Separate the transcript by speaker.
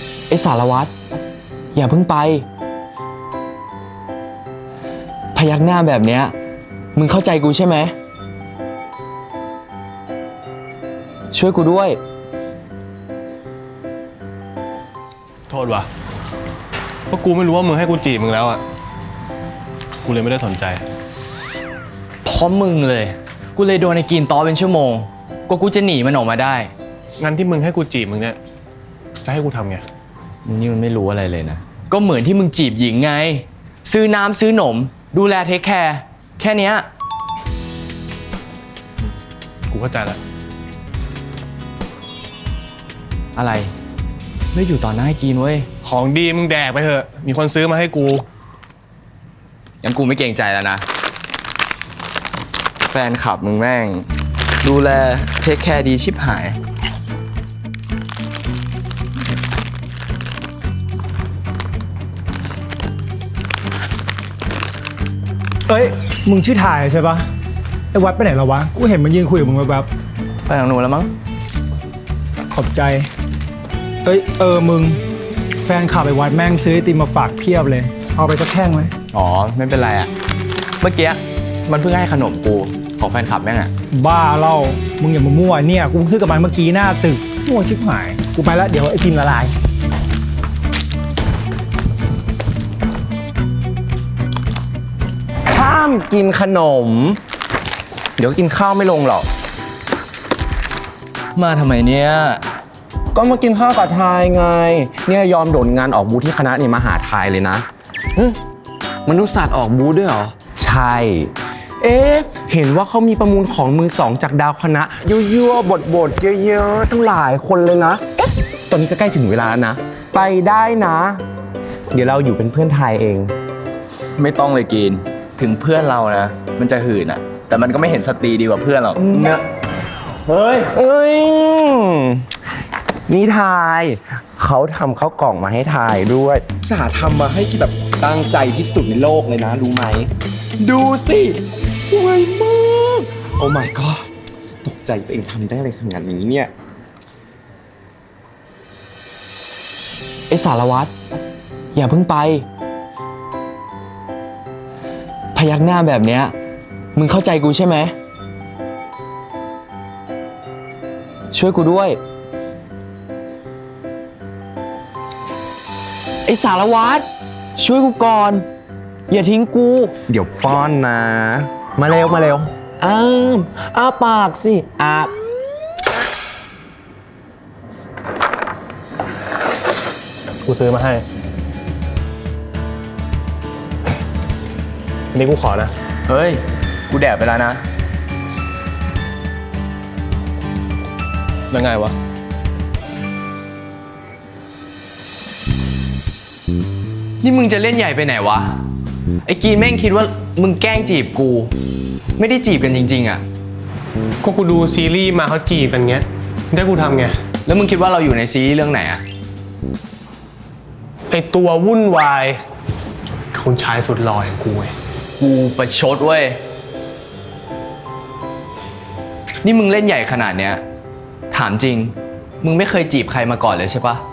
Speaker 1: ไอ้สารวัตรอย่าเพิ่งไปพยักหน้าแบบเนี้ยมึงเข้าใจกูใช่ไหมช่วยกูด้วย
Speaker 2: โทษว่ะเพราะกูไม่รู้ว่ามึงให้กูจีบมึงแล้วอ่ะกูเลยไม่ได้สนใจ
Speaker 3: เพราะมึงเลยกูเลยโดนไอ้กินต้อเป็นชั่วโมงกว่ากูจะหนีมันออกมาได้
Speaker 2: งั้นที่มึงให้กูจีบมึงเนี่ยจะให้กูทำไง
Speaker 3: นี่มันไม่รู้อะไรเลยนะก็เหมือนที่มึงจีบหญิงไงซื้อน้ำซื้อหนมดูแลเทคแคร์แค่เนี้ย
Speaker 2: กูเข้าใจแล้ว
Speaker 3: อะไรไม่อยู่ต่อหน้าให้กินเว้ย
Speaker 2: ของดีมึงแดกไปเถอะมีคนซื้อมาให้กู
Speaker 3: งั้นกูไม่เกรงใจแล้วนะแฟนคลับมึงแม่งดูแลเทคแคร์ดีชิบหาย
Speaker 4: เอ้ยมึงชื่อถ่ายใช่ปะไอ้วัดไปไหนแล้ววะกูเห็นมันยืนคุยกับมึงแบบ
Speaker 3: ไปทางนู้นแล้วมั้ง
Speaker 4: ขอบใจเอ้ยมึงแฟนคลับไอ้วัดแม่งซื้อไอติมมาฝากเพียบเลยเอาไปสักแท่งไหม
Speaker 3: อ๋อไม่เป็นไรอะเมื่อกี้มันเพิ่งให้ขนมกูของแฟนคลับแม่งอะ
Speaker 4: บ้าเล่ามึงอย่ามามั่วเนี่ยกูซื้อกับมันเมื่อกี้หน้าตึกมั่วชิบหายกูไปแล้วเดี๋ยวไอติมละลาย
Speaker 1: ห้ามกินขนมเดี๋ยวกินข้าวไม่ลงหรอก
Speaker 3: มาทำไมเนี่ย
Speaker 1: ก็มากินข้าวกับทายไงเนี่ยยอมโดดงานออกบูธที่คณะนี่มาหาทายเลยนะ
Speaker 3: มนุษย์ศาสตร์ออกบูธด้วยเหรอ
Speaker 1: ใช่เห็นว่าเขามีประมูลของมือสองจากดาวคณะยั่วๆบทเยอะๆทั้งหลายคนเลยนะตอนนี้ก็ใกล้ถึงเวลานะไปได้นะเดี๋ยวเราอยู่เป็นเพื่อนทายเอง
Speaker 3: ไม่ต้องเลยกินถึงเพื่อนเรานะมันจะหื่นอะแต่มันก็ไม่เห็นสตรีดีกว่าเพื่อนหรอกเนอะ
Speaker 1: เฮ้ยนี่ทายเขาทำข้าวกล่องมาให้ทายด้วยสาทำมาให้ที่แบบตั้งใจที่สุดในโลกเลยนะรู้ไหมดูสิสวยมากโอ้ my god ตกใจตัวเองทำได้อะไรขนาดนี้เนี่ยไอ้สารวัตรอย่าเพิ่งไปพยักหน้าแบบเนี้ยมึงเข้าใจกูใช่ไหมช่วยกูด้วยไอ้สารวัตรช่วยกูก่อนอย่าทิ้งกูเดี๋ยวป้อนนะมาเร็วอ้าปากสิ
Speaker 2: กูซื้อมาให้อันนี้กูขอนะ
Speaker 3: เฮ้ยกูแดกไปแล้วนะ
Speaker 2: ยังไงวะ
Speaker 3: นี่มึงจะเล่นใหญ่ไปไหนวะไอ้กีนแม่งคิดว่ามึงแกล้งจีบกูไม่ได้จีบกันจริงๆอ่ะ
Speaker 2: ก็กูดูซีรีส์มาเขาจีบกันเงี้ยได้กูทำไง
Speaker 3: แล้วมึงคิดว่าเราอยู่ในซีรีส์เรื่องไหนอ่ะ
Speaker 2: ไอตัววุ่นวายคุณชายสุดหล่ออย่างกูไง
Speaker 3: กูประชดเว้ยนี่มึงเล่นใหญ่ขนาดเนี้ยถามจริงมึงไม่เคยจีบใครมาก่อนเลยใช่ปะ